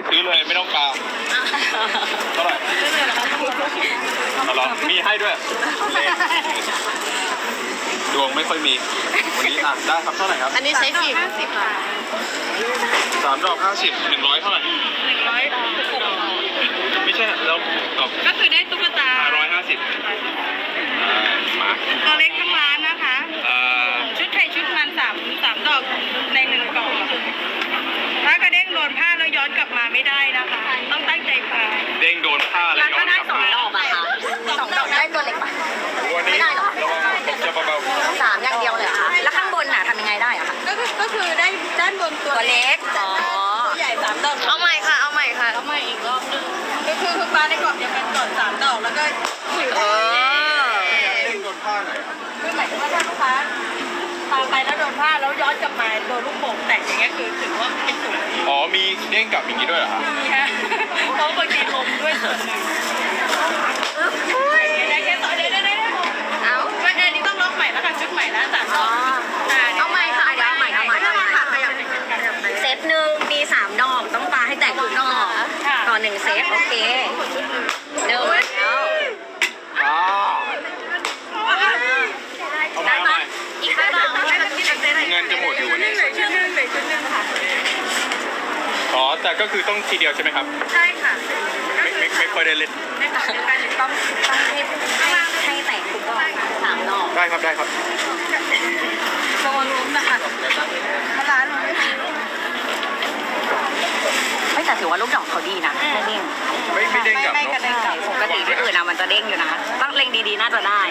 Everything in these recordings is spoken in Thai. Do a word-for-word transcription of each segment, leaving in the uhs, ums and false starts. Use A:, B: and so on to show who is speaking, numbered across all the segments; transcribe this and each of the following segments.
A: ซื้อเลยไม่ต้องกาเท่าไหร่เอาหรอมีให้ด้วยดวงไม่ค่อยมีวันนี้อ่านได้ครับเท่าไหร่ครับ
B: อันนี้ใช้กี่ห้าสิบค่ะ
A: สามดอกห้าสิบหนึ่งร้อยเท่าไหร่
B: หนึ่งร้อย
A: ไม่ใช่แล้ว
B: ก็คือได้ตุ๊กตา
A: ร้อยห้าสิบมา
B: ตัวเล็กทั้งร้านนะคะชุดไทยชุดมันสามสามดอกในหนึ่งกล่องถ้ากระเด้งโดนผ้าแล้วย้อนกลับมาไม่ได้นะคะต้องตั้งใจฟัง
A: เด้งโดนผ้าแล้วย้อนกลับมา
C: ดอกอะค่ะสองดอกได้ตัวเล็กปะ
A: ไม่ได้หรอระวังจะเบา
C: ๆสามอย่างเดียวเลยค่ะแล้วข้างบนน่ะทำยังไงได้อะคะ
B: ก็คือก็คือได้ด้านบนตัว
C: เล็กอ๋อ
B: ตัวใหญ่สามดอก
C: เอาใหม่ค่ะเอาใหม่ค่ะ
B: เอาใหม่อีกรอบนึงก็คือคือปลาในกรอบเดียวกันก่อนสามดอกแล้วก็
C: เออ
A: เด้งโดนผ้าไหน
B: คือหมายถึงว่าถ้าลูกค้าตามไปแล้วโดนผ้าแล้วย้อนกลับมาโดนลูกโป่งแตกอย่างเงี้ยคือถือว่าเป็นสูง
A: อ๋อมีเด้งกลับอย่างนี้ด้วยเหรอครับ
B: มีฮะเพราะบางทีลมด้วยส่วนหนึ่งได้แค่ต่อได้ได้ได้เอาก็อันนี้ต้องล็อกใหม่แล้วค่ะชุดใหม่แล้วสามดอก
C: เอาใหม่ค่ะเดี๋ยวเอาใหม่เอาใหม่เอาใหม่เซตหนึ่งมีสามดอกต้องปาให้แตกทุกดอกต่อหนึ่งเซตโอเคเดี๋ยวแล้ว
A: ได้ไหม
C: อีกห้าดอก
A: เงินจะหมดอยู่วันนี้อ๋อแต่ก็คือต้องทีเดียวใช่ไหมครับ
B: ใช่ค่ะ
A: ไม่ไม่ไม่ค่อยได้เล่น
B: ไม่ค่ะเดียวกันต้อง
C: ต้องให้ให้แตกทุกดอกสามดอก
A: ได้ครับได้ครับ
B: โซนลุ้มนะคะร้านมันไม่มี
C: ไม่แต่ถือว่าลูกดอกเขาดีนะไม่เด้ง
A: ไม่ไม่เด้งกลับเนาะ
C: ปกติที่อื่นนะมันจะเด้งอยู่นะต้องเล็งดีๆน่าจะได้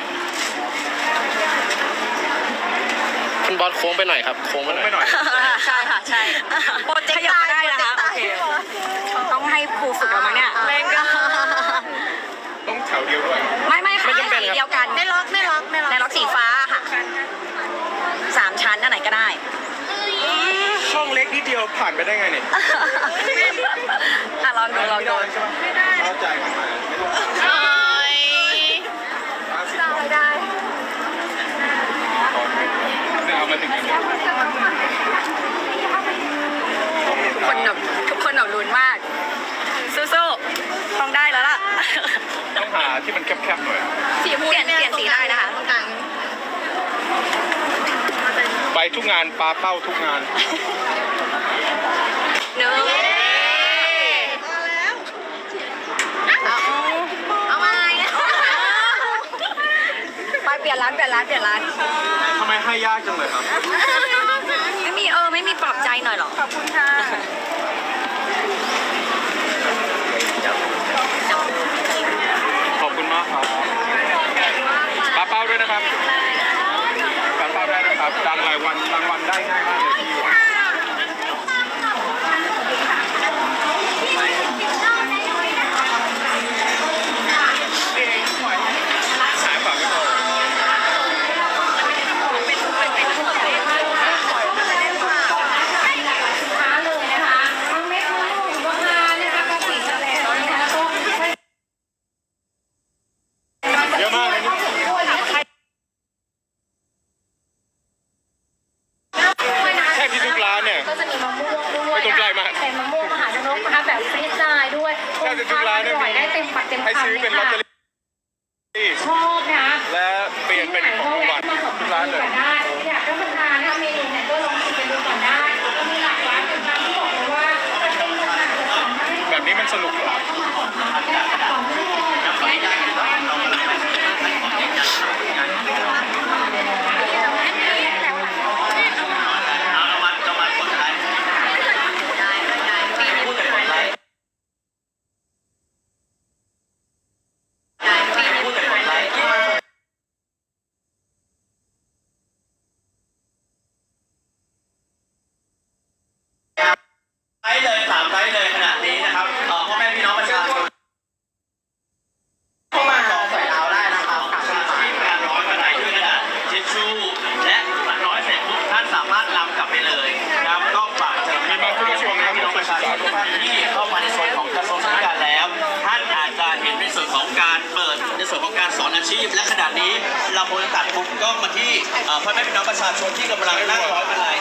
D: คุณบอสโค้งไปหน่อยครับโค้งไปหน่อย
C: ใช่ค่ะใช่โปรเจกต์ก็ได้นะคะโอเคต้องให้ครูฝึกเราไหมเนี่ย
B: เล่นก็
A: ต้องแถวเดียวด้วย
C: ไม่ไม่ค่ะสีเดียวกัน
B: ไม่ล็อกไม่ล็อกไม่ล็อก
C: ในล็อกสีฟ้าค่ะสามชั้นอันไหนก็ได้
A: ช่องเล็กนิดเดียวผ่านไปได้ไงเนี่ย
C: อ่ะลองดูลองดู
A: ไม่ได้เข้าใจกันมาไม่ต้อง
C: ได้ได้
A: เอามาถึงอย่างนี้
C: ทุกคนแบบทุกคนแบบลุ้นมากสู้ๆต้องได้แล้วล่ะ
A: ต้องหาที่มันแคบๆหน่อย
C: สีเปลี่ยนเปลี่ยนสีได้นะคะ
A: ไปทุกงานปลาเป้าทุกงาน
C: เนื้อเอามาไปเปลี่ยนร้านเปลี่ยนร้านเปลี่ยนร้าน
A: ทำไมให้ยากจังเลยครับ
C: ไม่มีเออไม่มีปลอบใจหน่อยหรอ
B: ขอบคุณค่ะ
A: ขอบคุณมากครับปลาเป้าด้วยนะครับปลาเป้าได้นะครับรางวัลรางวัลได้ง่ายมากเลยที่อยู่
C: ให้ซื้อเป็นลอตเตอรี่ชอบนะ
A: และเปลี่ยนเป็นของรางวัลทุกร้านเลย
C: อยากรับประทานนะคะเมนูเนี่ยก็ลองชิมกันดูก่อนได้ก็มีหลากหลายเป็นร้านที่บอกเลยว่าเป็นอาหาร
A: แบบนี้มันสนุกเหรอ
E: ที่เข้ามาในส่วนของกระทรวงศึกษาแล้วท่านอาจจะเห็นในส่วนของการเปิดในส่วนของการสอนอาชีพและขณะนี้เราโมจะตัดมุมกล้องมาที่พ่อแม่พี่น้องประชาชนที่กำลังนั่งร้อยมาลัย